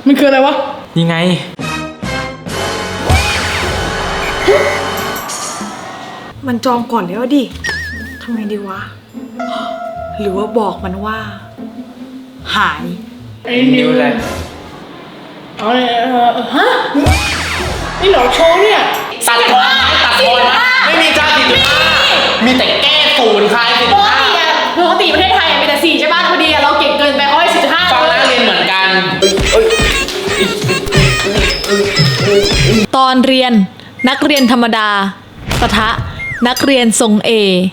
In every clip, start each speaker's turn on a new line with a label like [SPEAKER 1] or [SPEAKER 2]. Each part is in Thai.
[SPEAKER 1] มันคืออะไรวะ
[SPEAKER 2] ยังไง
[SPEAKER 1] มันจองก่อนแล้วดิทำไงดีวะหรือว่าบอกมันว่าหายไอ้นิวเลยเอาเลยฮะนี่หลอกโชว์เนี่ย
[SPEAKER 2] ตัดบอลไม่มีการติดมีแต่แก้ศูนย์คลายติด
[SPEAKER 1] ปกติประเทศไทยมีแต่4ใช่ป่ะพอดีเราเก่งเกินไปเขาให้4.5
[SPEAKER 2] ฟังนักเรียนเหมือนกัน
[SPEAKER 3] ตอนเรียนนักเรียนธรรมดาปะทะนักเรียนทรงเอ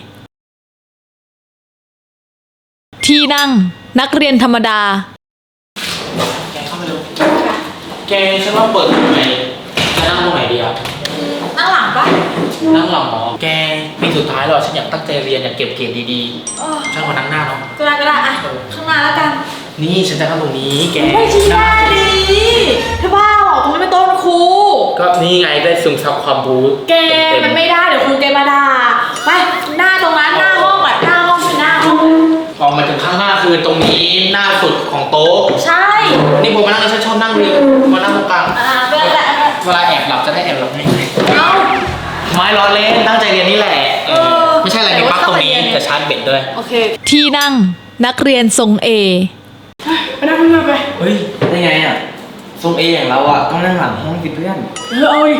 [SPEAKER 3] ที่นั่งนักเรียนธรรมดา
[SPEAKER 2] แกเข้ามาดูแกฉันว่าเปิดตรงไหนจะนั่งตรงไหนดีอ่ะ
[SPEAKER 1] นั่งหลังปะ
[SPEAKER 2] นั่งหลังหรอแกปีสุดท้ายแล้วฉันอยากตั้งใจเรียนอยากเก็บเกรดดีๆฉันขอนั่งหน้าเนาะ
[SPEAKER 1] ก็ได้อะข้างหน้าแล้วกัน
[SPEAKER 2] นี่ฉันจะนั่งตรงนี้แก
[SPEAKER 1] ไม่ชี้หน้าดีเธอบ้าหรอตรงนี้เป็นโต๊ะครู
[SPEAKER 2] ก็นี่ไงได้ซึมซับความรู้
[SPEAKER 1] แกมันไม่ได้เดี๋ยวครูแกมาด่าไปหน้าตรงนั้นหน้าห้องอ่ะหน้าห้องคือหน้าห้อง
[SPEAKER 2] ออกมาถึงข้างหน้าคือตรงนี้หน้าสุดของโต๊ะ
[SPEAKER 1] ใช่
[SPEAKER 2] นี่ผมมานั่งฉันชอบนั่งเลยมานั่งตรงกลางเวลาแอบหลับจะได้แอบหลับง่ายๆไม่ล้อเล่นตั้งใจเรียนนี่แหละไม่ใช่อะไรในปั๊กตรงนี้แต่ชาร์จเบ็ดด้วย
[SPEAKER 3] โอเคที่นั่งนักเรียนทรงเอ
[SPEAKER 1] ไปนั่งเพื่อนไป
[SPEAKER 2] เฮ้ยได้ไงอ่ะทรงเออย่างเราอ่ะต้องนั่งหลังห้องสิเพื่อน
[SPEAKER 1] เอาอีก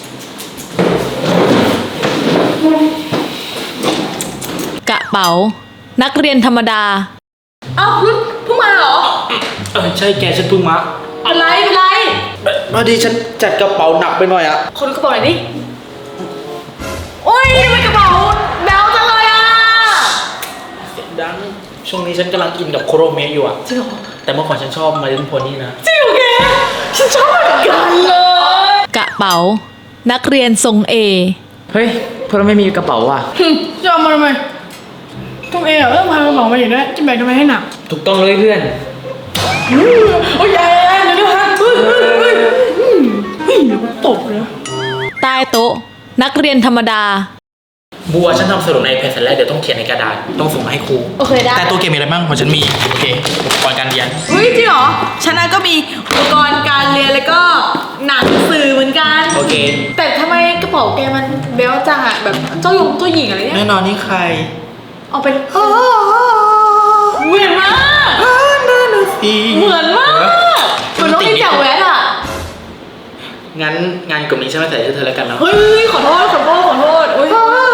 [SPEAKER 3] กระเป๋านักเรียนธรรมดา
[SPEAKER 1] เอ้าเพิ่งมาเหรอ
[SPEAKER 2] ใช่แกฉันเพิ่งมา
[SPEAKER 1] อะไร
[SPEAKER 2] พอดีฉันจัดกระเป๋าหนักไปหน่อยอ่ะ
[SPEAKER 1] คนกระเป๋าไหนดิโอ้ยทำไมกระเป๋าแบลจังเลยอ่ะ
[SPEAKER 2] เสียงดังช่วงนี้ฉันกำลังอินกับโคโรเมะอยู่อ่ะ
[SPEAKER 1] จริงเหรอ
[SPEAKER 2] แต่เมื่อก่อนฉันชอบมาเล่นโพนี่นะ
[SPEAKER 1] จริงเหรอแกฉันชอบเหมือนกันเลย
[SPEAKER 3] กระเป๋านักเรียนทรงเอ
[SPEAKER 2] เฮ้ยเพราะเราไม่มีกระเป๋าอ่ะ
[SPEAKER 1] จะเอามาทำไมต้องเอต้องพากระเป๋ามาอย่างนี้จะแบกทำไมให้หนัก
[SPEAKER 2] ถูกต้องเลยเพื่อน
[SPEAKER 1] โอ้ยเดี๋ยวฮะเฮ้ยตบเลย
[SPEAKER 3] ใต้โต๊ะนักเรียนธรรมดา
[SPEAKER 2] บัวฉันทำสรุปในเพจเสร็จแล้วเดี๋ยวต้องเขียนในกระดาษต้องส่งมาให้ครู
[SPEAKER 1] โอเคได้
[SPEAKER 2] แต่ตัวเกมมีอะไรบ้างของฉันมีโอเคอุปกรณ์การเรียน
[SPEAKER 1] เฮ้ยจริงเหรอฉันก็มีอุปกรณ์การเรียนแล้วก็หนังสือเหมือนกัน
[SPEAKER 2] โอเค
[SPEAKER 1] แต่ทำไมกระเป๋าแกมันเบลจังอ่ะแบบเจ้าหญิงอะไรเนี่ย
[SPEAKER 2] แน่นอนนี่ใคร
[SPEAKER 1] เอาไปเหมือนมากเหมือนมากเหมือนน้องที่แจ๋วแหวนอ่ะ
[SPEAKER 2] งั้นงานกลุ่มนี้ฉันไม่ใส่ชื่อเธอแล้วกันเนาะ
[SPEAKER 1] เฮ้ยขอโทษอุ้ย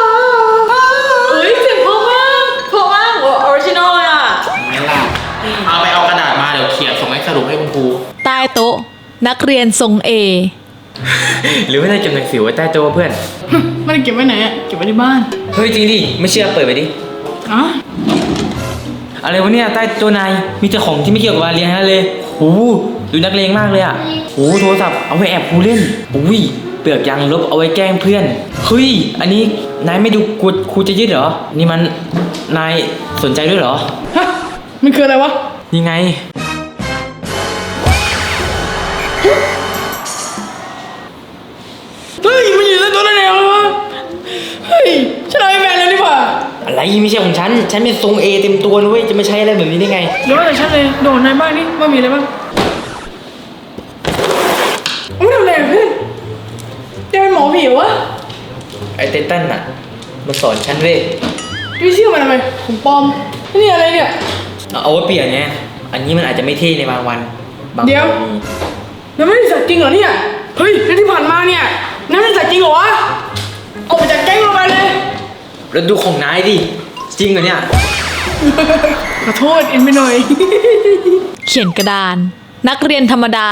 [SPEAKER 1] เสียงเพราะมากออริจินอลเลยอ่ะ
[SPEAKER 2] ไม่ล่ะเอาไปเอากระดาษมาเดี๋ยวเขียนส่งให้สรุปให้คุณครู
[SPEAKER 3] ใต้โต๊ะนักเรียนทรงเอ
[SPEAKER 2] หรือไม่ได้เก็บหนังสือไว้ใต้โต๊ะเพื่อน
[SPEAKER 1] ไม่ได้เก็บไว้ไหนอ่ะเก็บไว้ที่บ้าน
[SPEAKER 2] เฮ้ยจริงดิไม่เชื่อเปิดไปดิอะไรวะเนี่ยใต้โต๊ะนายมีแต่ของที่ไม่เกี่ยวกับการเรียนนั่นเลยโอ้ดูนักเลงมากเลยอ่ะโอ้โทรศัพท์เอาไว้แอบครูเล่นอุ้ยเปลือกยางลบเอาไว้แกล้งเพื่อนเฮ้ยอันนี้นายไม่ดูครูจะยึดเหรอนี่มันนายสนใจด้วยเหรอ
[SPEAKER 1] ฮะมันคืออะไรวะ
[SPEAKER 2] ยังไง
[SPEAKER 1] เฮ้ยมันอยู่ในตัวนั่นเองเลยวะเฮ้ยฉันเอาไอ้แมนเลยดีกว่า
[SPEAKER 2] อะไรไม่ใช่ของฉันเป็นทรงเอเต็มตัวเลยจะไม่ใช่อะไรแบบนี้ได้ไง
[SPEAKER 1] เดี๋ยวแต่ฉันเลยโดนนายบ้างนี่ว่ามีอะไรบ้างไม่ทำอะไรเพื่อนจะเป็นหมอผีวะ
[SPEAKER 2] ไอเตตันน่ะมาสอนฉันเว้ย
[SPEAKER 1] พี่ชื่อมันทำไมผมปลอมนี่อะไรเนี่ย
[SPEAKER 2] เอาไว้เปลี่ยนไงอันนี้มันอาจจะไม่เท่ในบางวัน
[SPEAKER 1] เดี๋ยวนั่นไม่ได้สัตว์จริงเหรอเนี่ยเฮ้ยนั่นที่ผ่านมาเนี่ยนั่นเป็นสัตว์จริงเหรอวะออกมาจากแก๊งเราไปเลย
[SPEAKER 2] แล้วดูของนายดิจริงเหรอเนี่ย
[SPEAKER 1] ขอโทษเอ็นไปหน่อย
[SPEAKER 3] เขียนกระดานนักเรียนธรรมดา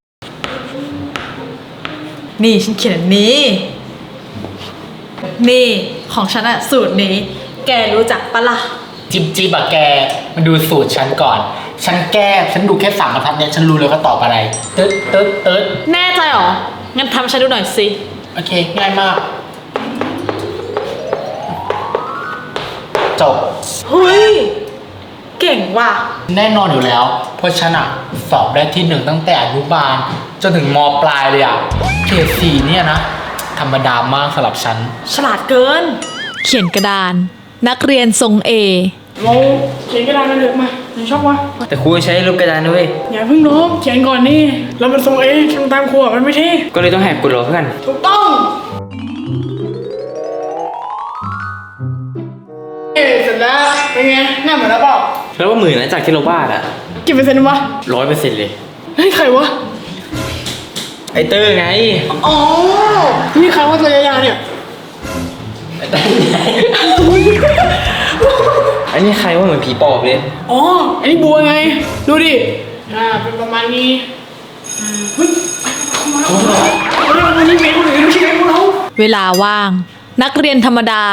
[SPEAKER 1] นี่ฉันเขียนนี้นี่ของฉันอะสูตรนี้แกรู้จักปะล่ะ
[SPEAKER 2] จิ๊บอะแกมาดูสูตรฉันก่อนฉันดูแค่3 บรรทัดเนี่ยฉันรู้เลยว่าตอบอะไรตึ๊ด
[SPEAKER 3] แน่ใจหรองั้นทำฉันดูหน่อยสิ
[SPEAKER 2] โอเคง่ายมากจบ
[SPEAKER 1] เฮ้ยเก่งว่ะ
[SPEAKER 2] แน่นอนอยู่แล้วเพราะฉันอะสอบได้ที่1ตั้งแต่อนุบาลจนถึงม.ปลายเลยอะเกรด4เนี่ยนะธรรมดามากสำหรับฉัน
[SPEAKER 1] ฉลาดเกิน
[SPEAKER 3] เขียนกระดานนักเรียนทรงเอ
[SPEAKER 1] เราเขียนกระดานมาเลยมาไหนชอบวะ
[SPEAKER 2] แต่ครูใช้ลบกระดานด้วย
[SPEAKER 1] อย่าเพิ่งลบเขียนก่อนนี่เรามันทรงทำตามครูอะมันไม่เท่
[SPEAKER 2] ก็เลยต้องแหกกฎเหรอเพื่อน
[SPEAKER 1] ถูกต้องเสร็จแล้วเป็นไงหน้าเหมือนแล้วเปล่า
[SPEAKER 2] แล้วว่าหมื่นนะจากที่เราวาดอะ
[SPEAKER 1] กี่เปอร์เซ็นต์วะ
[SPEAKER 2] 100%เลย
[SPEAKER 1] เฮ้ยใครวะ
[SPEAKER 2] ไอเตอร์ไง
[SPEAKER 1] อ๋อนี่ใครว่าตัวยาวๆเนี่ย
[SPEAKER 2] ไอเตอร์ไงอันนี้ใครว่าเหมือนผีปอบเลย
[SPEAKER 1] อ๋ออันนี้บัวไงดูดิเป็นประมาณนี้เฮ้ยวันนี้เมย์คนอื่นไม่ใช่เมย์พวกเรา
[SPEAKER 3] เวลาว่าง นักเรียนธรรมดา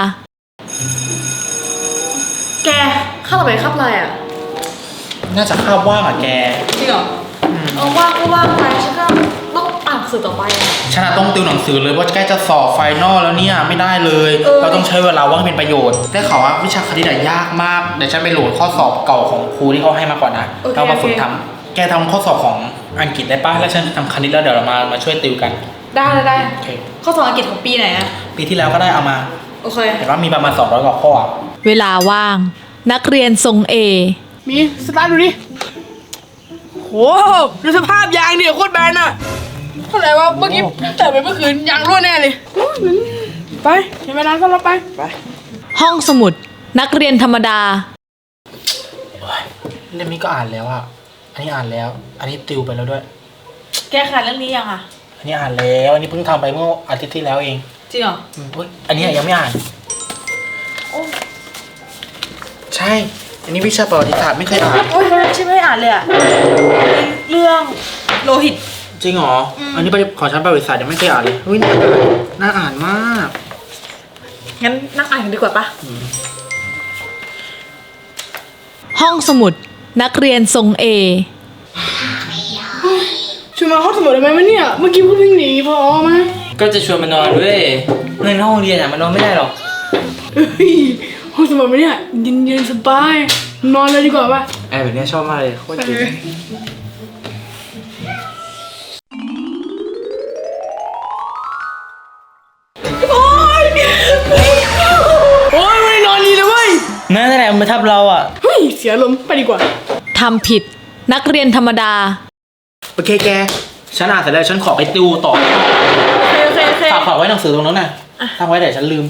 [SPEAKER 1] แกข้าต่อไปข้าอะไรอ่ะ
[SPEAKER 4] น่าจะคาบว่างอ่ะแก
[SPEAKER 1] จริงเหรอว่างก็ว่างไปฉันก็ต้องอ่านสื่อต่อไปอ่ะ
[SPEAKER 4] ฉันอะต้องติวหนังสือเลยว่าใกล้จะสอบไฟนอลแล้วเนี่ยไม่ได้เลย เราต้องใช้เวลาว่างเป็นประโยชน์ได้ข่าวว่าวิชาคณิตอะยากมากเดี๋ยวฉันไปโหลดข้อสอบเก่าของครูที่เขาให้มาก่อนนะเรามาฝึกทำแกทำข้อสอบของอังกฤษได้ป่ะแล้วฉันทำคณิตแล้วเดี๋ยวเรามาช่วยติวกัน
[SPEAKER 1] ได้
[SPEAKER 4] โอเค
[SPEAKER 1] ข้อสอบอังกฤษของปีไหนอ่ะ
[SPEAKER 4] ปีที่แล้วก็ได้เอามา
[SPEAKER 1] โอเค
[SPEAKER 4] เห็นว่ามีประมาณ200กว่าข้ออะ
[SPEAKER 3] เวลาว่าง นักเรียนทรงเอ
[SPEAKER 1] มีสตาร์ทดูดิโหดูสภาพยางเนี่ยโคตรแบนอ่ะเท่าไหร่วะเมื่อกี้แต่ไปเมื่อคืนยางรั่วแน่เลยไปเห็นเวลาก็เราไป
[SPEAKER 3] ห้องสมุด นักเรียนธรรมดา
[SPEAKER 4] เล่มนี้ก็อ่านแล้วอ่ะอันนี้อ่านแล้ว อันนี้ติวไปแล้วด้วย
[SPEAKER 1] แก้ขาดเรื่องนี้ยังอ่ะ
[SPEAKER 4] อันนี้อ่านแล้วอันนี้เพิ่งทำไปเมื่ออาทิตย์ที่แล้วเอง
[SPEAKER 1] จริงเหรอ
[SPEAKER 4] อุ๊ยอันนี้ยังไม่อ่านใช่ อันนี้วิชาประวัติศาสตร์ไม่เคยอ่าน
[SPEAKER 1] โอ้ยใช่ไม่อ่านเลยอ่ะเรื่องโลหิต
[SPEAKER 4] จริงเหรอ อันนี้ของฉันประวัติศาสตร์ยังไม่เคยอ่านเลยอุ้ยน่าอ่านมาก
[SPEAKER 1] งั้นนั่งอ่านกันดีกว่าปะ
[SPEAKER 3] ห้องสมุด นักเรียนทรงเอ
[SPEAKER 1] ชวนมาห้องสมุดได้ไหมวะเนี่ยเมื่อกี้พูดวิ่งหนีพอมา
[SPEAKER 2] ก็จะชวนมานอนด้วยเงินห้องเรียนอะมันนอนไม่ได้หรอก
[SPEAKER 1] เฮ้ยห้องสมุดไหมเนี่ยเย็นๆสบายนอนเลยดีกว่าปะ
[SPEAKER 2] แอบแบบนี้ชอบมากเลยโคตรเจ๋ง
[SPEAKER 1] โอ๊ยไม่นอนดีเลยเว้ย
[SPEAKER 2] นั่นแหละมันมาทับเราอะ
[SPEAKER 1] เฮ้ยเสียลมณ์ไปดีกว่า
[SPEAKER 3] ทำผิด นักเรียนธรรมดา
[SPEAKER 4] โอเคแก ฉันอ่านเสร็จแล้วฉันขอไปติวต่อ
[SPEAKER 1] โอเค
[SPEAKER 4] ฝากไว้หนังสือตรงนั้นน่ะทำไว้เดี๋ยวฉันลืม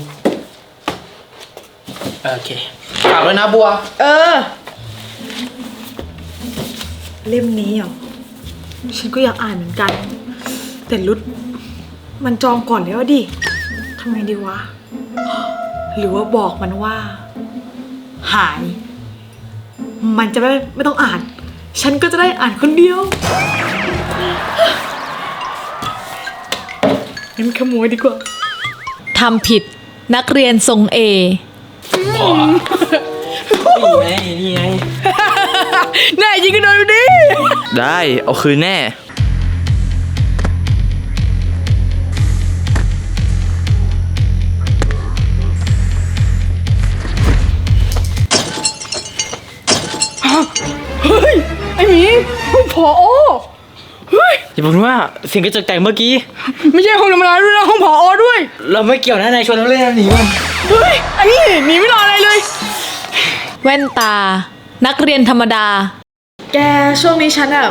[SPEAKER 4] โอเค ฝากไว้นะบัว
[SPEAKER 1] เล่มนี้เหรอฉันก็อยากอ่านเหมือนกัน แต่รุดมันจองก่อนแล้วดิทำไงดีวะ หรือว่าบอกมันว่า หาย มันจะไม่ต้องอ่าน ฉันก็จะได้อ่านคนเดียวงั้นขโมยดีกว่า
[SPEAKER 3] ทำผิด นักเรียนทรงเอ
[SPEAKER 2] นี่ไง
[SPEAKER 1] แน่จริงก็โดนดูดิ
[SPEAKER 2] ได้เอาคืนแน่
[SPEAKER 1] เฮ้ย ไอหมีผอเฮ้ย
[SPEAKER 2] อย่าบอกว่าเสียงกระจกแตกเมื่อกี้
[SPEAKER 1] ไม่ใช่ห้องธรรมดาด้วยนะห้องผอด้วย
[SPEAKER 2] เราไม่เกี่ยวนะนายชวนเราเล่นหนีมัน
[SPEAKER 1] เฮ้ยไอ้นี่หนีไม่รออะไรเลย
[SPEAKER 3] แว่นตา นักเรียนธรรมดา
[SPEAKER 1] แกช่วงนี้ฉันแบบ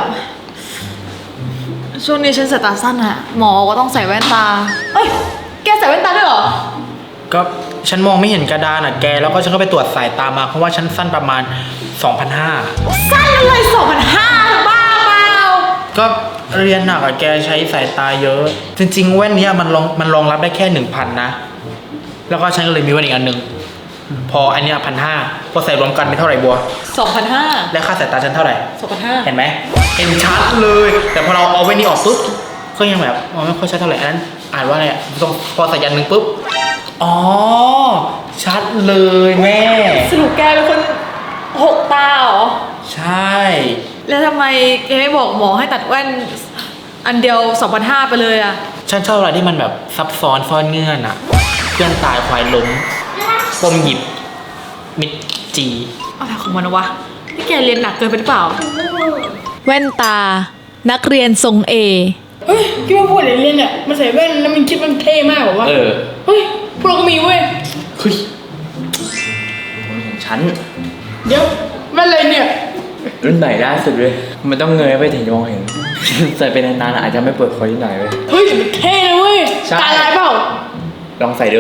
[SPEAKER 1] ช่วงนี้ฉันสายตาสั้นอะหมอก็ต้องใส่แว่นตา เอ้ย แกใส่แว่นตาด้วยเหรอ
[SPEAKER 4] ก็ฉันมองไม่เห็นกระดานอ่ะแก แล้วก็ฉันก็ไปตรวจสายตามาเพราะว่าฉันสั้นประมาณ 2,500
[SPEAKER 1] สั้นอะไร2,500บ้าเปล่า
[SPEAKER 4] ก็เรียนหนักอะแกใช้สายตาเยอะ จริงๆแว่นเนี้ยมันรองรับได้แค่ 1,000 นะ แล้วก็ฉันก็เลยมีแว่นอีกอันหนึ่งพออันเนี้ย1,500พอใส่รวมกันเป็นเท่าไหร่บัว
[SPEAKER 1] 2,500
[SPEAKER 4] และค่าสายตาฉันเท่าไหร่
[SPEAKER 1] 2,500
[SPEAKER 4] เห็นไหมเห็นชัดเลย แต่พอเราเอาแว่นนี้ออกปุ๊บก็ยังแบบมองไม่ค่อยชัดเท่าไหร่อันนั้นอ่านว่าอะไรอะต้องพอใส่ยันหนึ่งปุ๊บอ๋อชัดเลยแม่
[SPEAKER 1] สรุปแกเป็นคนหกตาเหรอ
[SPEAKER 4] ใช่
[SPEAKER 1] แล้วทำไมแกไม่บอกหมอให้ตัดแว่นอันเดียว 2,500 ไปเลยอะ
[SPEAKER 4] ฉันชอบอะไรที่มันแบบซับซ้อนซ่อนเงื่อนอะเพื่อนตายควายล้มปมหยิบมิดจี
[SPEAKER 1] อะไรของมันวะนี่แกเรียนหนักเกินไปหรือเปล่า
[SPEAKER 3] แว่นตา นักเรียนทรงเอ
[SPEAKER 1] เฮ้ยคิดว่าพวกเรียนเนี่ยมันใส่แว่นแล้วมันคิดมันเท่มากเหรอวะ เฮ้ย พวกเราก็มีเว้ย
[SPEAKER 4] เฮ้ย
[SPEAKER 2] ฉัน
[SPEAKER 1] เดี๋ยวแว่นอะไรเนี่ย
[SPEAKER 2] รุ่นไหนล่าสุดเลยมันต้องเงยไปถึงจะมองเห็น ใส่ไปนานๆอาจจะไม่เปิดคอที่ไหนเลย
[SPEAKER 1] เฮ้ยมันเท่นะเว้ย
[SPEAKER 2] ใช่
[SPEAKER 1] ตาลายเปล่า
[SPEAKER 2] ลองใส่ดู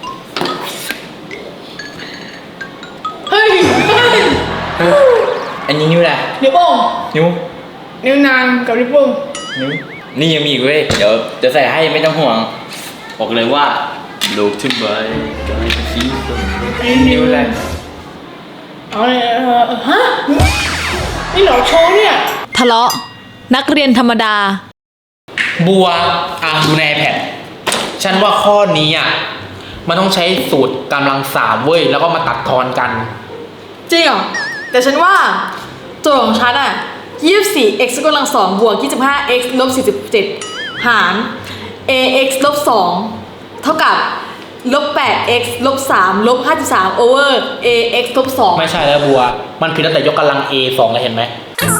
[SPEAKER 1] เฮ้ย
[SPEAKER 2] อันนี้นิ้วอะไร
[SPEAKER 1] นิ้วโป้ง
[SPEAKER 2] นิ้ว
[SPEAKER 1] นิ้วนางกับนิ้วโป้ง
[SPEAKER 2] นิ้วนี่ยังมีอีกเว้ยเดี๋ยวจะใส่ให้ไม่ต้องห่วงบอกเลยว่าลูกขึ้นไปกลายเป็นสีส้มนิ้วอะไร
[SPEAKER 1] เอาเลยฮะนี่เหรอโชว์เนี่ย
[SPEAKER 3] ทะเลาะ นักเรียนธรรมดา
[SPEAKER 4] บัวดูใน iPad ฉันว่าข้อนี้อ่ะมันต้องใช้สูตรกำลังสามเว้ยแล้วก็มาตัดทอนกัน
[SPEAKER 1] จริงเหรอ แต่ฉันว่าโจทย์ของฉันอ่ะ 24x กำลัง2บวก 25x ลบ47หาร ax ลบ2เท่ากับลบ 8x ลบ3ลบ53 over ax ลบ2
[SPEAKER 4] ไม่ใช่แล้วบัวมันผิดตั้งแต่ยกกำลัง A 2เลยเห็นไหม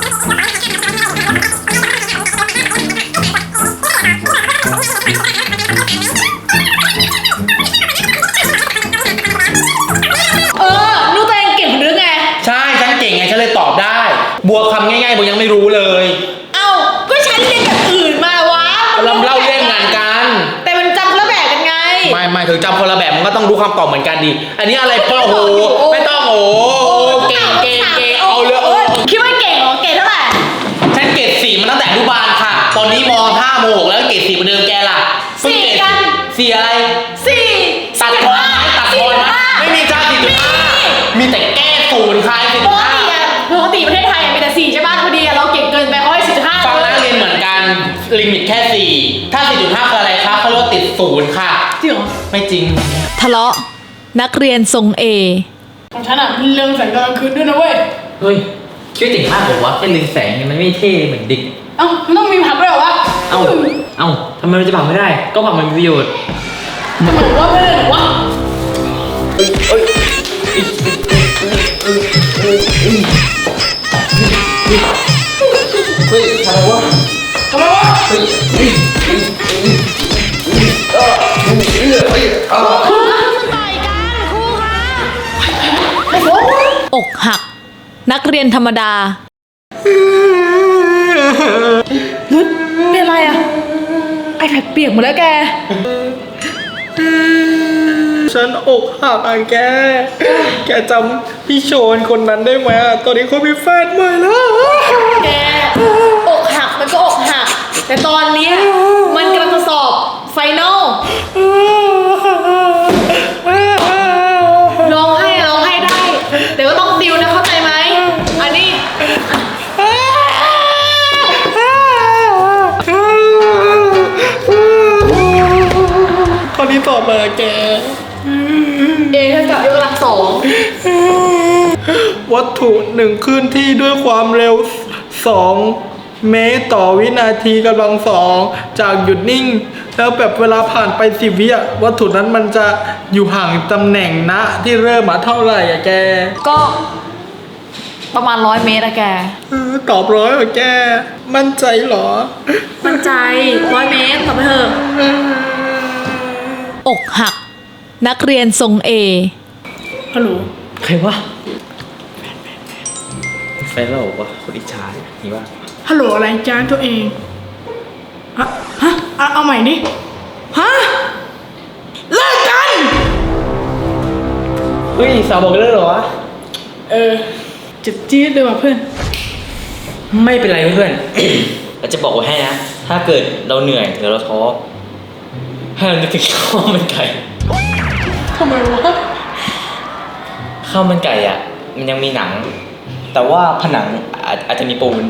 [SPEAKER 1] นูตัวเองเก่งหรือไง
[SPEAKER 4] ใช่ฉันเก่งไงฉันเลยตอบได้ บัวคำง่ายๆบัวยังไม่รู้เลย
[SPEAKER 1] เอ้า ก็ฉันเรียนแบบอื่นมาวะ
[SPEAKER 4] เราเล่าเรื่องงานกัน
[SPEAKER 1] แต่มันจำคนละแบบกันไง
[SPEAKER 4] ไม่ถึงจำคนละแบบมันก็ต้องรู้คำตอบเหมือนกันดิอันนี้อะไรป้อโหไม่ต้องโหเก่งเอาเลย
[SPEAKER 1] คิดว่าเก่งเหรอ เก่งเท่าไหร่
[SPEAKER 4] ฉันเกรด4มันตั้งแต่อนุบาลค่ะ ตอนนี้ม5ม6แล้วเกรด4เหมือนเดิมแกล่ะเพิ่งเกรด4อะไร
[SPEAKER 1] 4
[SPEAKER 4] ตัดทอนไหมตัดทอนไหมไม่มีจ้า4.5มีแต่แก้ศูนย์คลาย
[SPEAKER 1] ปกติอะปกติประเทศไทยมีแต่4ใช่ป่ะพอดีอะเราเก่งเกินไปเขาให้4.5
[SPEAKER 4] ฟังนะเรียนเหมือนกันลิมิตแค่4ถ้า 4.5 คืออะไรคะเขาเรียกว่าติดศูนย์ค่ะ
[SPEAKER 1] จริงเหรอ
[SPEAKER 4] ไม่จริง
[SPEAKER 3] ทะเลาะ นักเรียนทรงเอ
[SPEAKER 1] ของฉันอะเรื่องแสงตอนกลางคืนด้วยนะเว้ย
[SPEAKER 2] เฮ้ยคิดว่าเจ๋งมากเหรอวะแค่เรืองแสงเนี่ยมันไม่เท่เหมือนเด็ก
[SPEAKER 1] เอ้ามันต้องมีผักด้วยเหรอวะ
[SPEAKER 2] เอ้าทำไมมันจะปักไม่ได้ ก็ปักมันมีประโยชน์
[SPEAKER 1] ทำไมวะไม่ได้เหรอวะ
[SPEAKER 2] เฮ้ยทำไมวะ
[SPEAKER 1] ทำไมวะ
[SPEAKER 3] อกหัก นักเรียนธรรมดา
[SPEAKER 1] นุชเป็นอะไรอะไอแพดเปียกหมดแล้วแก
[SPEAKER 4] ฉันอกหักอ่ะแกจำพี่โชนคนนั้นได้ไหมอ่ะตอนนี้เขามีแฟนใหม่แล้ว
[SPEAKER 1] แกอกหักมันก็อกหัก แต่ตอนเนี้ยมันกำลังจะสอบไฟนอลร้องไห้ได้ แต่ว่าต้องดิวนะเข้าใจไหม อันนี้
[SPEAKER 4] ข้อนี้ตอบมาแก
[SPEAKER 1] เอเท่ากับยกกำลัง2
[SPEAKER 4] วัตถุหนึ่งเคลื่อนที่ด้วยความเร็ว 2 เมตรต่อวินาทีกำลัง2จากหยุดนิ่ง แล้วแบบเวลาผ่านไป10 วิอ่ะวัตถุนั้นมันจะอยู่ห่างตำแหน่งณที่เริ่มมาเท่าไหร่อะแก
[SPEAKER 1] ก็ประมาณ100 เมตรอะแก
[SPEAKER 4] ตอบร้อยอะแก มั่นใจเหรอ
[SPEAKER 1] มั่นใจ100 เมตรตอบไปเถอะ
[SPEAKER 3] อกหัก นักเรียนทรงเอ
[SPEAKER 1] ฮัลโหล
[SPEAKER 2] ใครวะแฟนเราบอกว่าคนอิจฉานี่ว่า
[SPEAKER 1] ฮัลโหลอะไรจ้าตัวเองฮะเอาใหม่ดิ ฮะ เลิกกัน
[SPEAKER 2] เฮ้ยสาวบอกเลิกเหรอวะ
[SPEAKER 1] เจ็บจี๊ดเลยว่ะเพื่อน
[SPEAKER 2] ไม่เป็นไรเพื่อน เราจะบอกไว้ให้นะ ถ้าเกิดเราเหนื่อยหรือเราท้อให้เรานึกถึงข้าวมันไก่
[SPEAKER 1] ทำไมวะ
[SPEAKER 2] ข้าวมันไก่อ่ะ มันยังมีหนัง แต่ว่าผนังอาจจะมีปูน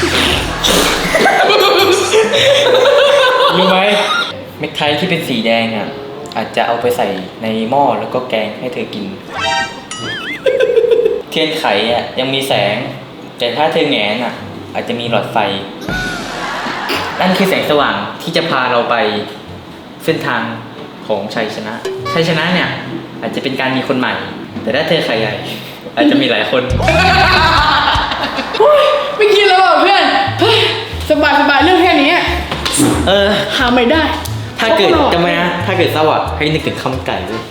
[SPEAKER 2] รู้ไหมเม็ดไทยที่เป็นสีแดงอ่ะ อาจจะเอาไปใส่ในหม้อแล้วก็แกงให้เธอกิน เทียนไขอ่ะยังมีแสง แต่ถ้าเธอแหงนอ่ะ อาจจะมีหลอดไฟ นั่นคือแสงสว่างที่จะพาเราไปเส้นทางของชัยชนะ ชัยชนะเนี่ย อาจจะเป็นการมีคนใหม่ แต่ถ้าเธอไข่ใหญ่ อาจจะมีหลายคน
[SPEAKER 1] ไม่คิดแล้วว่ะเพื่อน เฮ้ย สบายเรื่องแค่นี้
[SPEAKER 2] เออ
[SPEAKER 1] หาไม่ได้
[SPEAKER 2] ถ้าเกิดจำไว้นะ ถ้าเกิดเศร้าอ่ะให้นึกถึงข้าวมันไก่ด้วย